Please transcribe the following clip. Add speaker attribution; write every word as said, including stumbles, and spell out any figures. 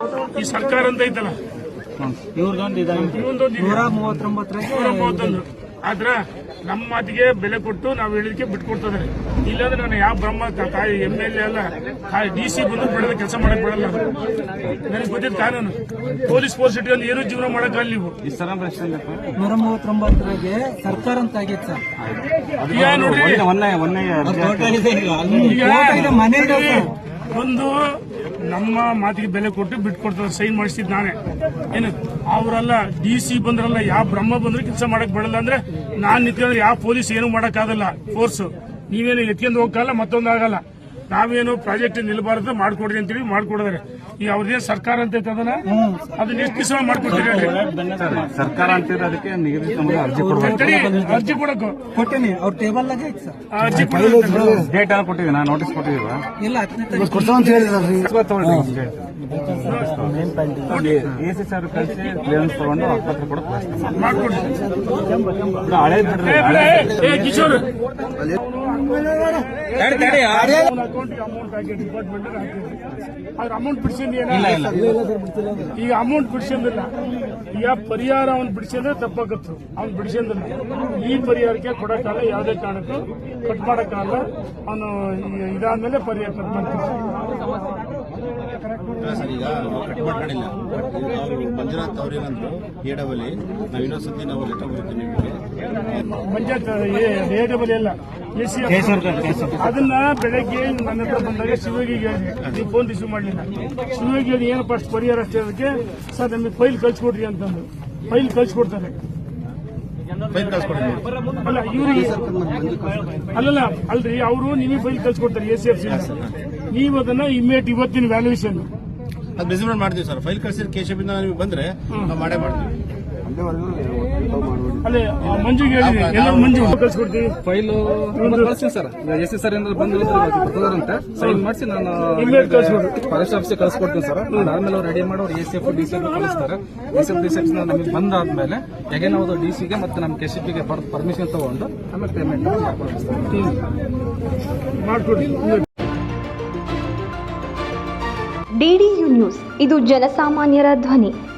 Speaker 1: ಈ ಸರ್ಕಾರ ಅಂತ ಐತಲ್ಲ
Speaker 2: ನೂರ ಮೂವತ್ತೊಂಬತ್ತು
Speaker 1: ಆದ್ರ ನಮ್ಮ ಮಾತಿಗೆ ಬೆಲೆ ಕೊಟ್ಟು ನಾವು ಹೇಳಿದಕ್ಕೆ ಬಿಟ್ಕೊಡ್ತದೆ. ಇಲ್ಲಾಂದ್ರೆ ನಾನು ಯಾವ ಬ್ರಹ್ಮ ತಾಯಿ ಎಂ ಎಲ್ ಎ ಅಲ್ಲ, ಡಿ ಸಿ ಬಂದು ಬಿಡೋದು ಕೆಲಸ ಮಾಡಕ್ ಬಿಡಲ್ಲ. ನನಗೆ ಗೊತ್ತಿದ್ದ ಕಾನೂನು ಪೊಲೀಸ್ ಫೋರ್ಸ್ ಇಟ್ಕೊಂಡು ಏನು ಜೀವನ ಮಾಡಕ್ಕಲ್ಲ ನೀವು.
Speaker 2: ನೂರ ಮೂವತ್ತೊಂಬತ್ತರಾಗೆ ಸರ್ಕಾರ ಅಂತ ಆಗೈತೆ ಸರ್.
Speaker 1: ಈಗ ನೋಡ್ರಿ ಈಗ ಒಂದು ನಮ್ಮ ಮಾತಿಗೆ ಬೆಲೆ ಕೊಟ್ಟು ಬಿಟ್ಕೊಡ್ತಾರೆ. ಸೈನ್ ಮಾಡಿಸಿದ್ ನಾನೇ ಏನು ಅವರಲ್ಲ. ಡಿ ಸಿ ಬಂದ್ರಲ್ಲ, ಯಾವ ಬ್ರಹ್ಮ ಬಂದ್ರೆ ಕೆಲಸ ಮಾಡಕ್ ಬಿಡಲ್ಲ. ಅಂದ್ರೆ ನಾನ್ ನಿಂತ್ಕೊಂಡ್ರೆ ಯಾವ ಪೊಲೀಸ್ ಏನು ಮಾಡಕ್ ಆಗಲ್ಲ. ಫೋರ್ಸ್ ನೀವೇನು ಎತ್ಕೊಂಡು ಹೋಗಲ್ಲ, ಮತ್ತೊಂದು ಆಗಲ್ಲ. ನಾವೇನು ಪ್ರಾಜೆಕ್ಟ್ ನಿಲ್ಬಾರ್ದು ಮಾಡ್ಕೊಡ್ರಿ ಅಂತೇಳಿ ಮಾಡ್ಕೊಡಿದಾರೆ. ಈಗ ಅವ್ರದೇನು ಸರ್ಕಾರ ಅಂತ ಅದನ್ನ ಅದನ್ನ ಎಷ್ಟು ದಿವಸ ಮಾಡ್ಕೊಡ್ತೀರಿ
Speaker 3: ಸರ್ಕಾರ ಅಂತಿದ್ರೆ ಅದಕ್ಕೆ ಅರ್ಜಿ
Speaker 1: ಅರ್ಜಿ ಕೊಡಕು
Speaker 2: ಕೊಟ್ಟೇನಿ. ಅವ್ರ ಟೇಬಲ್ ಆಗ ಐತೆ ಸರ್.
Speaker 1: ಅರ್ಜಿ
Speaker 3: ಡೇಟ್ ಎಲ್ಲ ಕೊಟ್ಟಿದ್ದೀವಿ, ನಾ ನೋಟಿಸ್ ಕೊಟ್ಟಿದ್ದೀವ
Speaker 2: ಇಲ್ಲ ಹತ್ತನೇ
Speaker 3: ಎ ಸಿ ಸರ್ ಕಳಿಸಿ ಕ್ಲಿಯರೆನ್ಸ್ ತಗೊಂಡು ಆಸ್ಪತ್ರೆ ಕೂಡ
Speaker 1: ಮಾಡ್ಕೊಡ್ರಿ.
Speaker 3: ಹಳೆ
Speaker 1: ಕಿಶೋರ್
Speaker 2: ಅಕೌಂಟ್
Speaker 1: ಅಮೌಂಟ್ ಹಾಕಿ ಡಿಪಾರ್ಟ್ಮೆಂಟ್ ಅದ್ರ ಅಮೌಂಟ್ ಬಿಡಿಸಿಲ್ಲ. ಈಗ ಅಮೌಂಟ್ ಬಿಡಿಸಿಲ್ಲ. ಈಗ ಪರಿಹಾರ ಅವ್ನು ಬಿಡಿಸಿದ್ರೆ ತಪ್ಪಾಗತ್ತು. ಅವ್ನು ಬಿಡಿಸಿಲ್ಲ. ಈ ಪರಿಹಾರಕ್ಕೆ ಕೊಡಕ್ಕಾಗಲ್ಲ, ಯಾವುದೇ ಕಾರಣಕ್ಕೂ ಕಟ್ ಮಾಡಕ್ಕಾಗಲ್ಲ. ಅವನು ಇದಾದ್ಮೇಲೆ ಪರಿಹಾರ ಕಟ್ ಮಾಡ್ತಾರೆ.
Speaker 4: ಸರ್ ಈಗ ಕಟ್ ಮಾಡ್ಕೊಂಡಿಲ್ಲ. ಅವರು ಮಂಜುನಾಥ್ ಅವ್ರೇನಂದ್ರು ಎ ಡಬಲ್ ನಾವು ಇನ್ನೊಂದ್ಸತಿ ನಾವು ಲೆಟರ್ ಬರುತ್ತೆ ನಿಮಗೆ
Speaker 1: ಪಂಚಾಯತ್ ಎ ಡಬಲ್ ಎಲ್ಲ ಎಸ್ ಸಿ ಅದನ್ನ ಬೆಳಗ್ಗೆ ನನ್ನ ಹತ್ರ ಬಂದಾಗ ಶಿವಯೋಗಿಗೆ ಹೇಳಿದೆ, ನೀವು ಫೋನ್ ರಿಸೀವ್ ಮಾಡಲಿಲ್ಲ. ಶಿವಯೋಗಿ ಏನಪ್ಪ ಅಷ್ಟು ಪರಿಹಾರ ಅಷ್ಟೇ ಅದಕ್ಕೆ ಸರ್ ನಮಗೆ ಫೈಲ್ ಕಳ್ಸಿಕೊಡ್ರಿ ಅಂತಂದು ಫೈಲ್ ಕಳ್ಸಿಕೊಡ್ತಾರೆ.
Speaker 4: ಫೈಲ್ ಕಳ್ಸ್ಕೊಡಿ.
Speaker 1: ಅಲ್ಲ ಇವ್ರಿಗೆ ಅಲ್ಲಲ್ಲ ಅಲ್ರಿ, ಅವರು ನಿಮಗೆ ಫೈಲ್ ಕಳ್ಸಿಕೊಡ್ತಾರೆ ಎ ಸಿ ಎಫ್ ಸಿ. ನೀವು ಅದನ್ನ ಇಮ್ಮಿಡಿಯೇಟ್ ಇವತ್ತಿನ ವ್ಯಾಲ್ಯೂಯೇಷನ್
Speaker 4: ಅದು ಮೆಜರ್ಮೆಂಟ್ ಮಾಡ್ತೀವಿ ಸರ್. ಫೈಲ್ ಕಳ್ಸಿದ್ರೆ ಕೇಶವಿಂದ ನೀವು ಬಂದ್ರೆ ನಾವು ಮಾಡೇ ಮಾಡ್ತೀವಿ.
Speaker 1: ಅಲ್ಲೇ ಮಂಜುಗೆ ಹೇಳಿದೆ, ಎಲ್ಲ ಮಂಜು ಕಳ್ಸಿಕೊಡ್ತೀವಿ.
Speaker 5: ಫೈಲ್ ಕಳಿಸ್ತೀನಿ ಸರ್. ಎಸ್ ಎಸ್ ಸರ್ ಏನಾದ್ರು ಬಂದಿರಂತೆ ಸೈನ್ ಮಾಡಿಸಿ ನಾನು ಫಾರೆಸ್ಟ್ ಆಫೀಸ್ ಕಳಿಸ್ಕೊಡ್ತೀನಿ ಸರ್. ಅದಾದ್ಮೇಲೆ ಅವ್ರು ರೆಡಿ ಮಾಡಿ ಅವ್ರು A C F D C ಕಳಿಸ್ತಾರೆ. A C F D C ನಮಗೆ ಬಂದಾದ್ಮೇಲೆ ಹೇಗೆ ನಾವು ಡಿ ಸಿಗೆ ಮತ್ತೆ ನಮ್ಮ ಕೆ ಸಿ ಪಿಗೆ ಪರ್ಮಿಷನ್ ತಗೊಂಡು ಆಮೇಲೆ ಪೇಮೆಂಟ್
Speaker 1: ಮಾಡ್ಕೊಡಿ.
Speaker 6: ಡಿಡಿಯು ನ್ಯೂಸ್, ಇದು ಜನಸಾಮಾನ್ಯರ ಧ್ವನಿ.